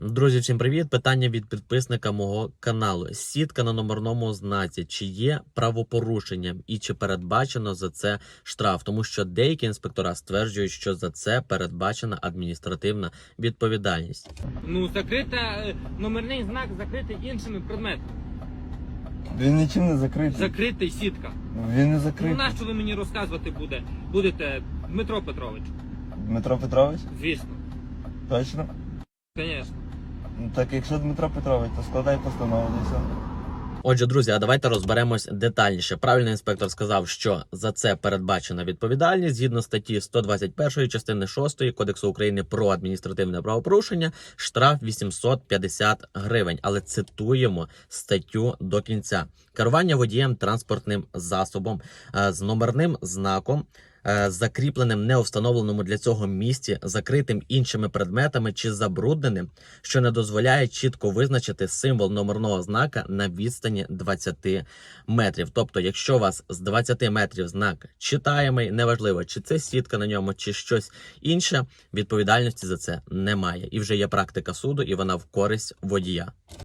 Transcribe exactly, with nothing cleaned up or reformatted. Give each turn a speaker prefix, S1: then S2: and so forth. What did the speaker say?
S1: Друзі, всім привіт! Питання від підписника мого каналу. Сітка на номерному знаці. Чи є правопорушенням і чи передбачено за це штраф? Тому що деякі інспектора стверджують, що за це передбачена адміністративна відповідальність.
S2: Ну, закрита, е, номерний знак закритий іншими предметами.
S3: Він нічим не закритий.
S2: Закритий сітка.
S3: Він не
S2: Ну,
S3: закритий.
S2: нащо ви мені розказувати буде? будете, Дмитро Петрович?
S3: Дмитро Петрович?
S2: Звісно.
S3: Точно?
S2: Звісно.
S3: Ну, так якщо Дмитро Петрович, то складай постанову і все.
S1: Отже, друзі, а давайте розберемось детальніше. Правильний інспектор сказав, що за це передбачена відповідальність згідно статті сто двадцять першої частини шостої Кодексу України про адміністративне правопорушення, штраф вісімсот п'ятдесят гривень. Але цитуємо статтю до кінця. Керування водієм транспортним засобом е, з номерним знаком, е, закріпленим не у встановленому для цього місці, закритим іншими предметами чи забрудненим, що не дозволяє чітко визначити символ номерного знака на відстані двадцяти метрів. Тобто, якщо у вас з двадцяти метрів знак читаємий, неважливо, чи це сітка на ньому, чи щось інше, відповідальності за це немає. І вже є практика суду, і вона в користь водія.